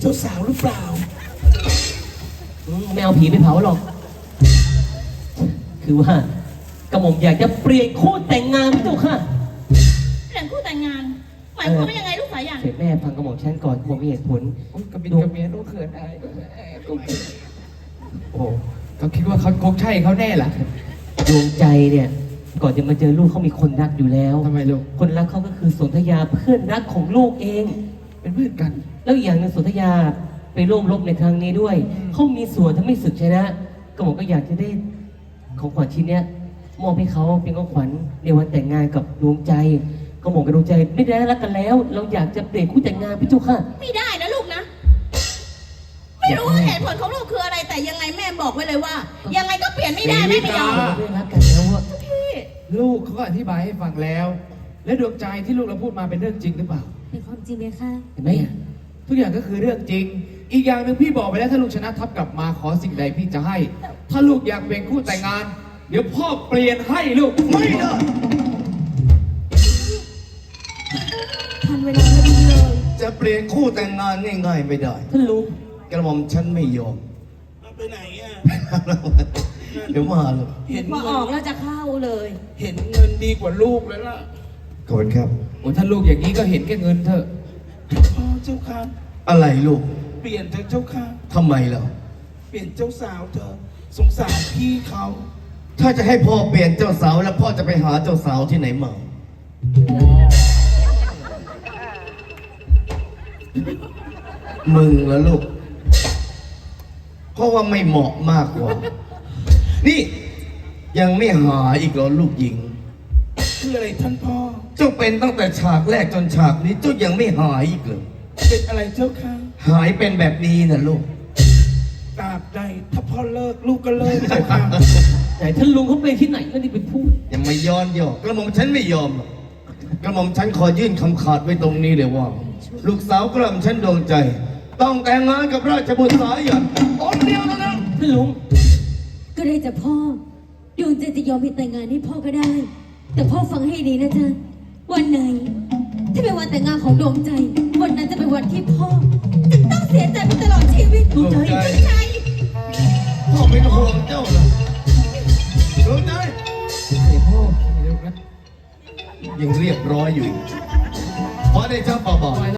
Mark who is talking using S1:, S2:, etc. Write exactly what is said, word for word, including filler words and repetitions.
S1: จ้าสาวหรือเปล่า
S2: ไม่เอาผีไปเผาหรอกคือว่ากระหม่อมอยากจะเปลี่ยนคู่แต่งงานพี่เจ้าค่ะ
S3: เปลี่ยนคู่แต่งงานหมายความว่ายังไงลูกสายยัน
S2: เสร็จแม่ฟังกระหม่อมฉันก่อนกระหม่อมมีเหตุผล
S1: กระบินกระเมียนต้องเขินอาย
S2: โอ้
S1: เขาคิดว่าเขาคงใช่เขาแน่ล่ะ
S2: ดวงใจเนี่ยก่อนจะมาเจอลูกเขามีคนรักอยู่แล้ว
S1: ทำไมลูก
S2: คนรักเขาก็คือสนธยาเพื่อนรักของลูกเอง
S1: เป็นเพื่อนกัน
S2: แล้วอีกอย่างหนึงสนธยาไปร่วมรบในครั้งนี้ด้วยเขามีส่วนทำให้ศึกชนะกระหม่อมก็อยากจะได้ของขวัญชิ้นเนี้ยมอบให้เขาเป็นของขวัญในวันแต่งงานกับดวงใจกระหม่อมกับดวงใจไม่ได้รักกันแล้วเราอยากจะเปลี่ยนคู่แต่งงานพี่เจ้าค่ะ
S3: ไม่ได้นะลูกนะไม่รู้ว่าเหตุผลของลูกคืออะไรแต่ยังไงแม่บอกไว้เลยว่ายังไงก็เปลี่ยนไม่ได้แม่ไม่ยอม
S2: ไม่รักกันแล้วอะ
S3: พี่
S1: ลูกเขาก็อธิบายให้ฟังแล้วและดวงใจที่ลูกเราพูดมาเป็นเรื่องจริงหรือเปล่า
S4: เป็นความจริงไหมคะ
S2: เห็นไหม
S1: ทุกอย่างก็คือเรื่องจริงอีกอย่างหนึ่งพี่บอกไปแล้วถ้าลูกชนะทัพกลับมาขอสิ่งใดพี่จะให้ถ้าลูกอยากเป็นคู่แต่งงานเดี๋ยวพ่อเปลี่ยนให้ลูกไม่ได้
S4: ทันเวลาพอดีเลย
S5: จะเปลี่ยนคู่แต่งงานง่ายๆไม่ได้
S2: ท่านลุง
S5: กระหม่อมฉันไม่ยอม
S6: ไปไหนอ่ะ
S5: เดี๋ยวมาลูก
S3: เห็นว่าออกแล้วจะเข้าเลย
S6: เห็นเงินดีกว่าลูกแล้วล่ะ
S5: ขอบคุณครับ
S1: โอ้ถ้าลูกอย่างนี้ก็เห็นแค่เงินเถอะ
S6: พ่อเจ้าค่ะ
S5: อะไรลูก
S6: เปลี่ยนเถอะเจ้าค่ะ
S5: ทำไมล่ะ
S6: เปลี่ยนเจ้าสาวเธอสงสารพี่เขา
S5: ถ้าจะให้พ่อเปลี่ยนเจ้าสาวแล้วพ่อจะไปหาเจ้าสาวที่ไหนมามึงแล้วลูกเพราะว่าไม่เหมาะมากกว่านี่ยังไม่หาอีกเหรอลูกหญิง
S6: คืออะไรท่านพ่อ
S5: เจ้าเป็นตั้งแต่ฉากแรกจนฉากนี้เจ้ายังไม่หายอีกเหรอ
S6: เป็นอะไรเจ้าค่ะ
S5: หายเป็นแบบนี้นะลูก
S6: ตราบใดถ้าพ่อเลิกลูกก็เลิกเจ้าค่ะ
S2: แต่ท่านลุงเขาไปที่ไหนก็นี่ไปพูด
S5: ยังไม่ย้อนยอกกระหม่อมฉันไม่ยอมกระหม่อมฉันขอยื่นคำขาดไว้ตรงนี้เลยว่าลูกสาวกระหม่อมฉันดวงใจต้องแต่งงานกับราชบุตรสายันองค์เดียวแล้วนะ
S2: ท่านลุง
S4: ก็ได้จะพ่อดวงใจจะยอมให้แต่งงานให้พ่อก็ได้แต่พ่อฟังให้ดีนะจ๊ะวันไหนที่เป็นวันแต่งงานของดวงใจวันนั้นจะเป็นวันที่พ่อจะต้องเสียใจไปตลอดชีวิต
S5: ดวงใจพ่อเป็นห่วงเจ้านะดวงใจ
S2: เดี๋ยวพ่อ
S5: ยังเรียบร้อยอยู่เพราะได้เจ้าป่าบ่อย